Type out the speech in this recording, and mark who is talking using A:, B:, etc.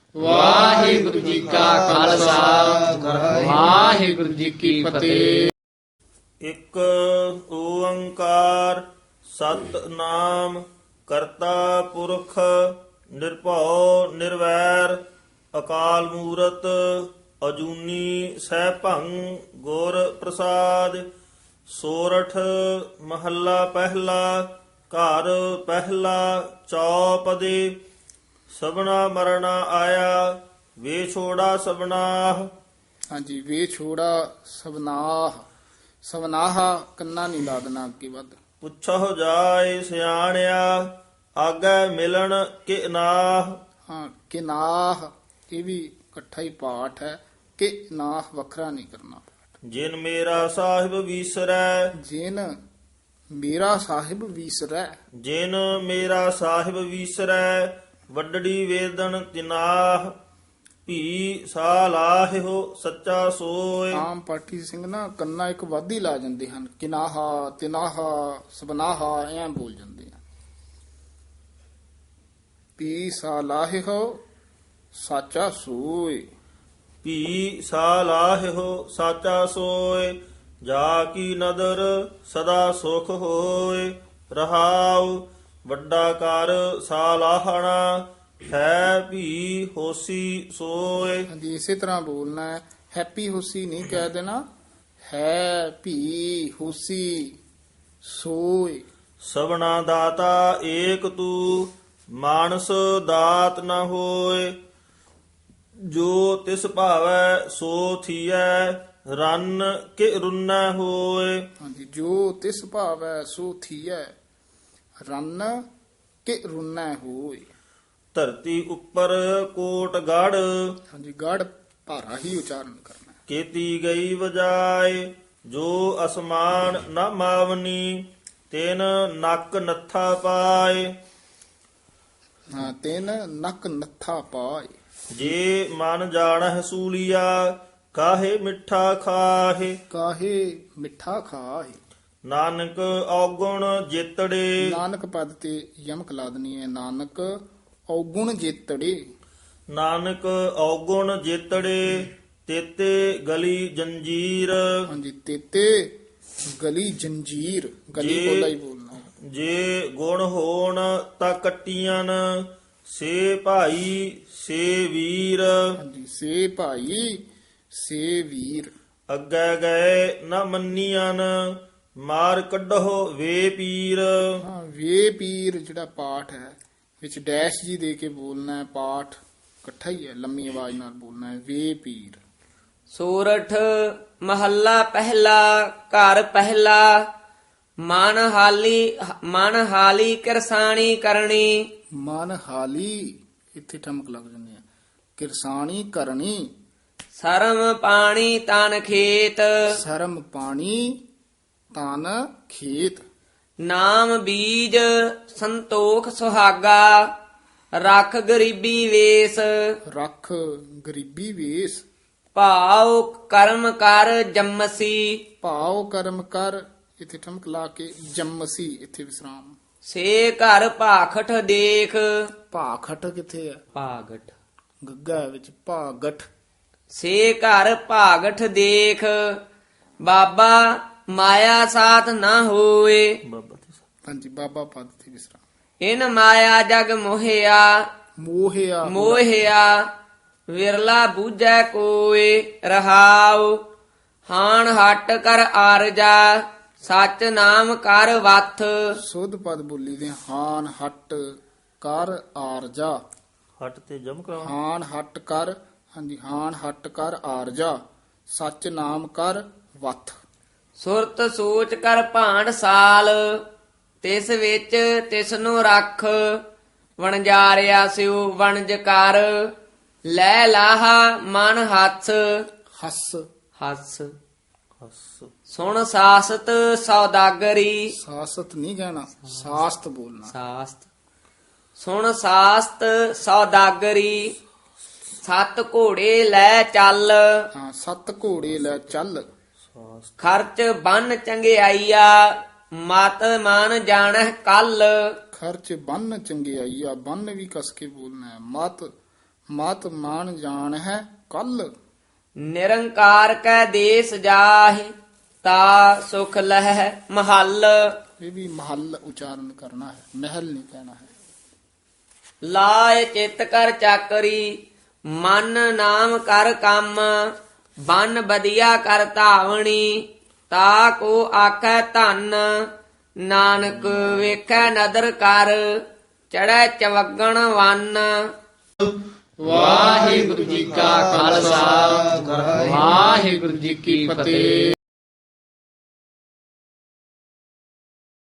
A: ਵਾਹਿਗੁਰੂ ਜੀ ਕਾ ਖਾਲਸਾ ਵਾਹਿਗੁਰੂ ਜੀ ਕੀ ਫਤਿਹ।
B: ਇੱਕ ਓੰਕਾਰ ਸਤਨਾਮ ਕਰਤਾ ਪੁਰਖ ਨਿਰਭਉ ਨਿਰਵੈਰ ਅਕਾਲ ਮੂਰਤ ਅਜੂਨੀ ਸੈਭੰ ਗੁਰ ਪ੍ਰਸਾਦ। ਸੋਰਠ ਮਹੱਲਾ ਪਹਿਲਾ। ਘਰ ਪਹਿਲਾ ਚੌਪਦੇ। ਸਭਨਾ ਮਰਣਾ ਆਇਆ ਵੇ ਛੋੜਾ ਸਭਨਾਹ।
C: ਹਾਂਜੀ, ਵੇ ਛੋੜਾ ਸਬਨਾਹ। ਸਬਨਾਹ ਕੰਨਾ ਨਹੀਂ ਲਾ ਦੇਣਾ ਅੱਗੇ ਵੱਧ।
B: ਪੁੱਛੋ ਜਾਏ ਸਿਆਣਿਆ ਆਗੇ ਮਿਲਣ ਕਿ ਨਾਹ।
C: ਹਾਂ, ਕਿਨਾਹ ਇਹ ਵੀ ਇਕੱਠਾ ਹੀ ਪਾਠ ਹੈ। ਕਿ ਨਾਹ ਵੱਖਰਾ ਨਹੀਂ ਕਰਨਾ।
B: ਜਿਨ ਮੇਰਾ ਸਾਹਿਬ ਵੀਸਰੈ।
C: ਜਿਨ ਮੇਰਾ ਸਾਹਿਬ ਵੀਸਰੈ।
B: ਜਿਨ ਮੇਰਾ ਸਾਹਿਬ ਵੀਸਰੈ ਵੱਡੜੀ ਵੇਦਨ ਤਿਨਾਹ। ਭੀ ਸਾ ਲਾਹਿਓ ਸੱਚਾ ਸੋਏ।
C: ਆਮ ਪਾਠੀ ਸਿੰਘ ਨਾ ਕੰਨਾ ਇੱਕ ਵਾਧੀ ਲਾ ਜਾਂਦੇ ਹਨ। ਕਿਨਾਹਾ ਤਿਨਾਹਾ ਸਬਨਾਹਾ ਐਂ ਬੋਲ ਜਾਂਦੇ ਆ। ਪੀ ਸਾ ਲਾਹਿਓ ਸਾਚਾ ਸੋਏ।
B: ਭੀ ਸਾ ਲਾਹਿਓ ਸਾਚਾ ਸੋਏ। ਜਾ ਕੀ ਨਦਰ ਸਦਾ ਸੁਖ ਹੋਏ। ਰਹਾਉ ਵੱਡਾ ਕਰ ਸਾ ਲਾਹਣਾ ਹੈ ਭੀ ਹੋਸੀ ਸੋਏ।
C: ਹਾਂਜੀ, ਇਸੇ ਤਰ੍ਹਾਂ ਬੋਲਣਾ ਹੈ। ਹੈਪੀ ਹੋਸੀ ਨਹੀਂ ਕਹਿ ਦੇਣਾ। ਹੈ ਭੀ ਹੋਸੀ ਸੋਏ।
B: ਸਭਨਾ ਦਾਤਾ ਏਕ ਤੂ ਮਾਨਸ ਦਾਤ ਨ ਹੋਏ। ਜੋ ਤਿਸ ਭਾਵੈ ਸੋ ਥੀਐ ਰੰਨ ਕਿ ਰੁੰਨੈ ਹੋਏ।
C: ਹਾਂਜੀ, ਜੋ ਤਿਸ ਭਾਵੈ ਸੋ ਥੀਐ ਰੰਨ ਕਿ ਰੁੰਨੈ ਹੋਏ।
B: ਧਰਤੀ ਉੱਪਰ ਕੋਟ ਗੜ
C: ਹਾਂਜੀ, ਗੜ ਭਾਰਾ ਹੀ ਉਚਾਰਨ ਕਰਨਾ ਹੈ।
B: ਕੀਤੀ ਗਈ ਵਜਾਏ। ਜੋ ਅਸਮਾਨ ਨ ਮਾਵਨੀ ਤਿਨ ਨੱਕ ਨੱਥਾ ਪਾਏ।
C: ਹਾਂ, ਤਿੰਨ ਨੱਕ ਨੱਥਾ ਪਾਏ।
B: ਜੇ ਮਨ ਜਾਣਹਿ ਸੂਲੀਆ ਕਾਹੇ ਮਿੱਠਾ ਖਾਹੇ।
C: ਕਾਹੇ ਮਿੱਠਾ ਖਾਏ।
B: ਨਾਨਕ ਔਗੁਣ ਜੇਤੜੇ।
C: ਨਾਨਕ ਪਦ ਤੇ ਯਮਕ ਲਾ ਦੇਣੀ ਹੈ। ਨਾਨਕ ਔਗੁਣ ਜੇਤੜੇ।
B: ਨਾਨਕ ਔਗੁਣ ਜੇਤੜੇ ਤੇਤੇ ਗਲੀ ਜੰਜੀਰ।
C: ਹਾਂਜੀ, ਤੇਤੇ ਗਲੀ ਜੰਜੀਰ। ਗਲੀ
B: ਜੇ-
C: ਬੋਲਾ ਹੀ ਬੋਲਣਾ ਹੈ।
B: ਜੇ ਗੁਣ ਹੋਣ ਤਾਂ ਕੱਟੀਆਂ ਸੇ ਭਾਈ ਸੇ ਵੀਰ।
C: ਹਾਂਜੀ, ਸੇ ਭਾਈ ਸੇ ਵੀਰ।
B: ਅੱਗੇ ਗਏ ਨ ਮੰਨੀਆਂ ਮਾਰ ਕੱਢੋ ਵੇ ਪੀਰ।
C: ਹਾਂ, ਵੇ ਪੀਰ ਜਿਹੜਾ ਪਾਠ ਹੈ ਵਿੱਚ ਡੈਸ਼ ਜੀ ਦੇ ਕੇ ਬੋਲਣਾ ਹੈ। ਪਾਠ ਇਕੱਠਾ ਹੀ ਹੈ, ਲੰਮੀ ਆਵਾਜ਼ ਨਾਲ ਬੋਲਣਾ ਹੈ। ਵੇ ਪੀਰ।
A: ਸੋਰਠ ਮਹੱਲਾ ਪਹਿਲਾ। ਘਰ ਪਹਿਲਾ। ਮਨ ਹਾਲੀ ਕਿਰਸਾਣੀ ਕਰਨੀ।
C: ਮਨ ਹਾਲੀ ਇੱਥੇ ਠਮਕ ਲੱਗ ਜਾਂਦੀ ਹੈ। ਕਿਰਸਾਣੀ ਕਰਨੀ।
A: ਸਰਮ ਪਾਣੀ ਤਨ ਖੇਤ।
C: ਸ਼ਰਮ ਪਾਣੀ ਤਨ ਖੇਤ।
A: ਨਾਮ ਬੀਜ ਸੰਤੋਖ ਸੁਹਾਗਾ। ਰੱਖ ਗਰੀਬੀ ਵੇਸ।
C: ਰੱਖ ਗਰੀਬੀ ਵੇਸ।
A: ਭਾਉ ਕਰਮ ਕਰ ਜੰਮਸੀ।
C: ਭਾਉ ਕਰਮ ਕਰ ਇੱਥੇ ਠਮਕ ਲਾ ਕੇ ਜੰਮਸੀ ਇੱਥੇ ਵਿਸਰਾਮ।
A: ਸੇ ਘਰ ਭਾਖਟ ਦੇਖ।
C: ਭਾਖਟ ਕਿੱਥੇ ਹੈ?
A: ਭਾਗਟ।
C: ਗੱਗਾ ਵਿੱਚ ਭਾਗਠ।
A: ਸੇ ਘਰ ਭਾਗਠ ਦੇਖ। ਬਾਬਾ ਮਾਇਆ ਸਾਥ ਨਾ ਹੋਏ।
B: ਬਾਬਾ ਜੀ
C: ਹਾਂਜੀ, ਬਾਬਾ ਪਦ ਤੇ ਵਿਸਰਾਮ।
A: ਇਨ ਮਾਇਆ ਜਗ ਮੋਹਿਆ।
C: ਮੋਹਿਆ
A: ਮੋਹਿਆ ਵਿਰਲਾ ਬੂਝੈ ਕੋਏ। ਰਹਾਉ ਹਾਣ ਹਟ ਕਰ ਆਰਜਾ। ਸਚ ਨਾਮ ਕਰ ਵਥ।
C: ਸੁਧ ਪਦ ਬੋਲੀ ਦੇ। ਹਾਨ ਹਟ ਕਰ ਆਰਜਾ।
B: ਹੱਟ ਤੇ ਜਮ ਕਰਾਉਣਾ।
C: ਹਾਨ ਹਟ ਕਰ। ਹਾਂਜੀ, ਹਾਨ ਹਟ ਕਰ ਆਰਜਾ। ਸੱਚ ਨਾਮ ਕਰ ਵਥ।
A: ਸੁਰਤ ਸੋਚ ਕਰ ਭਾਂਡ ਸਾਲ। ਤਿਸ ਵਿੱਚ ਤਿਸ ਨੂੰ ਰੱਖ। ਵਣਜਾਰਿਆ ਸਿਉ ਵਣਜ ਕਰ। ਲੈ ਲਾਹਾ ਮਨ ਹੱਥ।
C: ਹੱਸ।
A: ਹੱਸ
B: ਹੱਸ
A: ਸੁਣ ਸਾਸਤ ਸੌਦਾਗਰੀ।
C: ਸਾਸਤ ਨਹੀਂ ਕਹਿਣਾ, ਸਾਸਤ ਬੋਲਣਾ।
A: ਸਾਸਤ ਸੁਣ ਸਾਸਤ ਸੌਦਾਗਰੀ। ਸੱਤ ਘੋੜੇ ਲੈ ਚੱਲ।
C: ਹਾਂ, ਸੱਤ ਘੋੜੇ ਲੈ ਚੱਲ।
A: ਖਰਚ ਬੰਨ ਚੰਗਿਆਈਆ। ਮਤ ਮਨ ਜਾਣਹਿ ਕੱਲ।
C: ਖਰਚ ਬੰਨ ਚੰਗਿਆਈਆ। ਬੰਨ ਵੀ ਕਸ ਕੇ ਬੋਲਣਾ ਹੈ। ਮਤ ਮਤ ਮਾਨ ਜਾਣ ਹੈ ਕੱਲ।
A: ਨਿਰੰਕਾਰ ਕੈ ਦੇਸ ਜਾਹਿ ਤਾ ਸੁਖ ਲਹਿ ਮਹੱਲ।
C: ਇਹ ਵੀ ਮਹੱਲ ਉਚਾਰਨ ਕਰਨਾ ਹੈ, ਮਹਿਲ ਨਹੀਂ ਕਹਿਣਾ ਹੈ।
A: ਲਾਇ ਚਿਤ ਕਰ ਚਾਕਰੀ ਮਨ ਨਾਮ ਕਰ ਕੰਮ ਬਨ ਬਦੀਆ ਕਰ ਧਾਵਣੀ ਤਾ ਕੋ ਆਖੈ ਧਨ ਨਾਨਕ ਵੇਖੈ ਨਦਰ ਕਰ ਚੜੈ ਚਵਗਣ ਵੰਨ।
C: ਵਾਹਿਗੁਰੂ ਜੀ ਕਾ ਖਾਲਸਾ ਵਾਹਿਗੁਰੂ ਜੀ ਕੀ ਫਤਿਹ।